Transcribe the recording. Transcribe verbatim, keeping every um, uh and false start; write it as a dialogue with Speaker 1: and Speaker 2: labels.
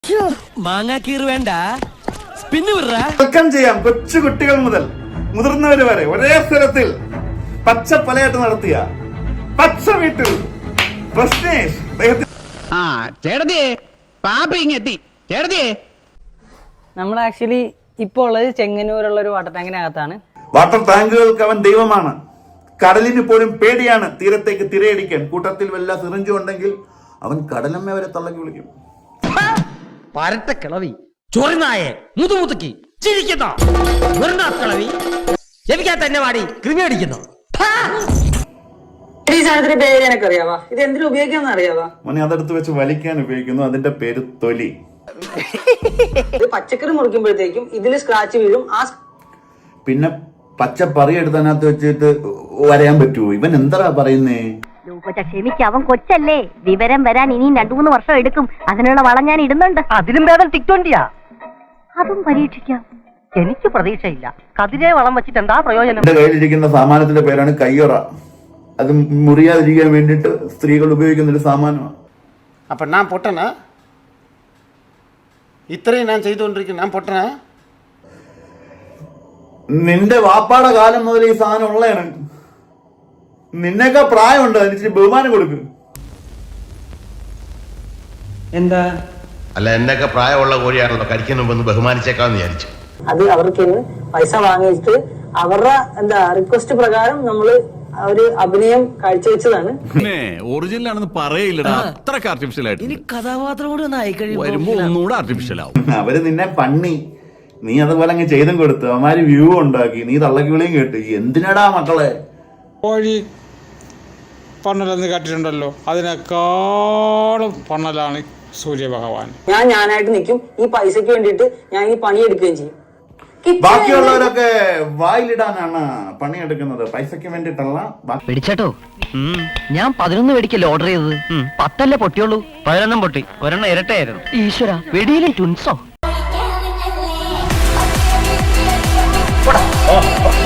Speaker 1: മാങ്ങാക്കീർ വേണ്ട spin വിടറാ.
Speaker 2: Welcome ചെയ്യാം കൊച്ചു കുട്ടികൾ മുതൽ മുതിർന്നവര് വരെ ഒരേ സ്ഥലത്തിൽ പച്ച പലയാട്ട് നടത്തിയ പച്ച വീട്ടിൽ പ്രശ്നേഷ്
Speaker 3: നമ്മൾ ആക്ച്വലി ഇപ്പോൾ ഉള്ളത് ചെങ്ങന്നൂരുള്ള ഒരു വാട്ടർ ടാങ്കിനകത്താണ്.
Speaker 2: വാട്ടർ ടാങ്കുകൾക്ക് അവൻ ദൈവമാണ്. കടലിന് പോലും പേടിയാണ് തീരത്തേക്ക് തിരയടിക്കാൻ. കൂട്ടത്തിൽ വല്ല സിറിഞ്ചും ഉണ്ടെങ്കിൽ അവൻ കടലമ്മ വരെ തള്ളക്കി വിളിക്കും.
Speaker 1: പരട്ട കിളവി ചൊറിനായെ മുതുമുതുക്കി ചിരിക്കുന്നു. കിളവി ജപിക്കാൻ തന്നെ വാടി കൃമി അടിക്കുന്നു.
Speaker 3: ഈ സാധനത്തിന്റെ പേര് എനിക്ക് അറിയാവാ. ഇത് എന്തിനു ഉപയോഗിക്കാന്ന് അറിയാവാ?
Speaker 2: മോനെ അതെടുത്ത് വെച്ച് വലിക്കാൻ ഉപയോഗിക്കുന്നു. അതിന്റെ പേര് തൊലി.
Speaker 3: പച്ചക്കറി മുറിക്കുമ്പോഴത്തേക്കും ഇതിൽ സ്ക്രാച്ച് വീഴും. ആ
Speaker 2: പിന്നെ പച്ച പറി എടുത്തതിനകത്ത് വെച്ചിട്ട് വരയാൻ പറ്റുമോ? ഇവൻ എന്താ പറയുന്നേ?
Speaker 4: ക്ഷമിക്ക്, അവൻ കൊച്ചല്ലേ. വിവരം വരാൻ ഇനിയും രണ്ടു മൂന്ന് വർഷം എടുക്കും. അതിനുള്ള വളം ഞാൻ ഇടുന്നുണ്ട്.
Speaker 3: അതിലും ഭേദം ടിക്ടോണ്ടിയാ.
Speaker 4: അതും പരീക്ഷിക്കാം.
Speaker 3: എനിക്ക് പ്രതീക്ഷയില്ല. കതിരെ വളം വെച്ചിട്ട് എന്താ പ്രയോജനം?
Speaker 2: എന്റെ കയ്യിലിരിക്കുന്ന സാമാനത്തിന്റെ പേരാണ് കയ്യൊറ. അത് മുറിയാതിരിക്കാൻ വേണ്ടിട്ട് സ്ത്രീകൾ ഉപയോഗിക്കുന്ന ഒരു സാമാനമാണ്.
Speaker 5: அப்போ நான் பொட்டனா? ഇത്രയും ഞാൻ ചെയ്തുകൊണ്ടിരിക്കുന്നു. ഞാൻ പൊട്ടനാ?
Speaker 2: നിന്റെ വാപ്പാടെ കാലം മുതൽ ഈ സാധനം ഉള്ളതാണ്. നിന്നേക്കാ പ്രായമുണ്ട്. അതിന് ബഹുമാനം കൊടുക്ക്.
Speaker 3: എന്താ
Speaker 6: അല്ല, എന്നൊക്കെ പ്രായമുള്ള കോഴിയാണല്ലോ കഴിക്കാൻ മുമ്പ് ബഹുമാനിച്ചേക്കാന്ന് വിചാരിച്ചു.
Speaker 3: അത് അവർക്ക് പൈസ വാങ്ങിയിട്ട് അവരുടെ എന്താ റിക്വസ്റ്റ് പ്രകാരം നമ്മള് ഒരു അഭിനയം കാഴ്ചവെച്ചതാണ്.
Speaker 7: ഒറിജിനൽ ആണെന്ന് പറയില്ലടാ. അത്രക്ക് ആർട്ടിഫിഷ്യൽ ആയിട്ട്
Speaker 1: ഇനി കഥാപാത്രം കൂടി ഒന്ന് ആയി
Speaker 7: വരുമ്പോ ഒന്നുകൂടെ ആർട്ടിഫിഷ്യൽ ആവും.
Speaker 2: അവര് നിന്നെ പണ്ണി, നീ അതുപോലെ അങ്ങ് ചെയ്തും കൊടുത്തു. അവന്മാര് വ്യൂ ഉണ്ടാക്കി, നീ തള്ളക്കി വിളിയും കേട്ടു. എന്തിനടാ മക്കളെ?
Speaker 8: കോഴി പണ്ണലെന്ന് കേട്ടിട്ടുണ്ടല്ലോ, അതിനേക്കാളും പണ്ണലാണ് സൂര്യഭഗവാൻ.
Speaker 3: ഞാൻ ഞാനായിട്ട് നിൽക്കും. ഈ പൈസക്ക് വേണ്ടിയിട്ട് ഞാൻ ഈ പണിയെടുക്കുകയും ചെയ്യും.
Speaker 2: ബാക്കിയുള്ളവരൊക്കെ വായിലിടാനാണ് പണിയെടുക്കുന്നത്, പൈസക്ക് വേണ്ടിട്ടല്ല.
Speaker 1: പിടിച്ചോ. ഞാൻ പതിനൊന്ന് വെടിക്കല്ലേ ഓർഡർ ചെയ്തത്. പത്തല്ലേ പൊട്ടിയുള്ളൂ. പതിനൊന്നും പൊട്ടി, ഒരെണ്ണം ഇരട്ടയായിരുന്നു. ഈശ്വര, വെടിയിലും ട്വിൻസോ?